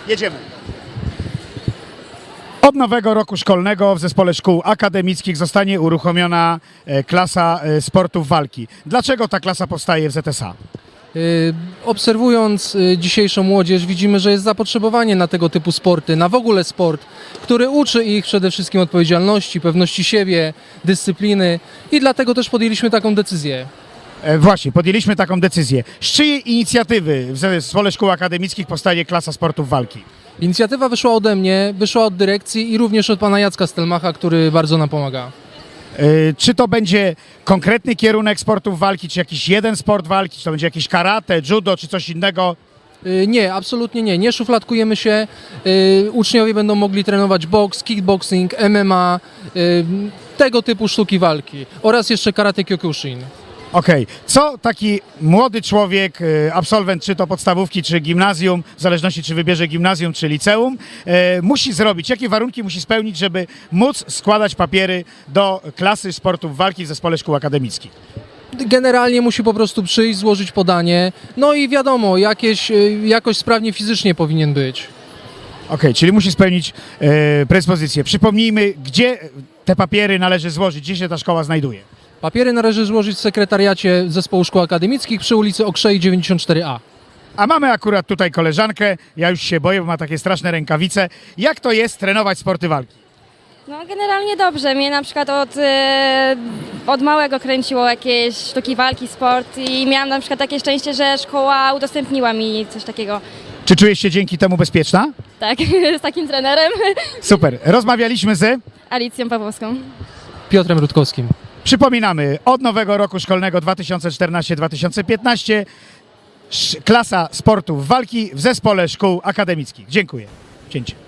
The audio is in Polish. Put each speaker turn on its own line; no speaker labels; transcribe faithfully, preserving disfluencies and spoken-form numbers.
Jedziemy. Od nowego roku szkolnego w Zespole Szkół Akademickich zostanie uruchomiona e, klasa e, sportów walki. Dlaczego ta klasa powstaje w Z S A?
Y, Obserwując y, dzisiejszą młodzież, widzimy, że jest zapotrzebowanie na tego typu sporty, na w ogóle sport, który uczy ich przede wszystkim odpowiedzialności, pewności siebie, dyscypliny i dlatego też podjęliśmy taką decyzję.
E, Właśnie, podjęliśmy taką decyzję. Z czyjej inicjatywy w Zespole Szkół Akademickich powstaje klasa sportów walki?
Inicjatywa wyszła ode mnie, wyszła od dyrekcji i również od pana Jacka Stelmacha, który bardzo nam pomaga.
E, Czy to będzie konkretny kierunek sportów walki, czy jakiś jeden sport walki, czy to będzie jakieś karate, judo, czy coś innego?
Y, Nie, absolutnie nie. Nie szufladkujemy się. Y, Uczniowie będą mogli trenować boks, kickboxing, M M A, y, tego typu sztuki walki oraz jeszcze karate kyokushin.
Okej, co taki młody człowiek, e, absolwent czy to podstawówki, czy gimnazjum, w zależności czy wybierze gimnazjum, czy liceum, e, musi zrobić? Jakie warunki musi spełnić, żeby móc składać papiery do klasy sportów walki w Zespole Szkół Akademickich?
Generalnie musi po prostu przyjść, złożyć podanie, no i wiadomo, jakieś, y, jakoś sprawnie fizycznie powinien być.
Okej, czyli musi spełnić e, predyspozycje. Przypomnijmy, gdzie te papiery należy złożyć, gdzie się ta szkoła znajduje?
Papiery należy złożyć w sekretariacie Zespołu Szkół Akademickich przy ulicy Okrzei dziewięćdziesiąt cztery A.
A mamy akurat tutaj koleżankę, ja już się boję, bo ma takie straszne rękawice. Jak to jest trenować sporty walki?
No generalnie dobrze. Mnie na przykład od, e, od małego kręciło jakieś sztuki walki, sport i miałam na przykład takie szczęście, że szkoła udostępniła mi coś takiego.
Czy czujesz się dzięki temu bezpieczna?
Tak, z takim trenerem,
Super. Rozmawialiśmy z...
Alicją Pawłowską.
Piotrem Rutkowskim.
Przypominamy, od nowego roku szkolnego dwa tysiące czternasty dwa tysiące piętnaście klasa sportów walki w Zespole Szkół Akademickich. Dziękuję. Cięcie.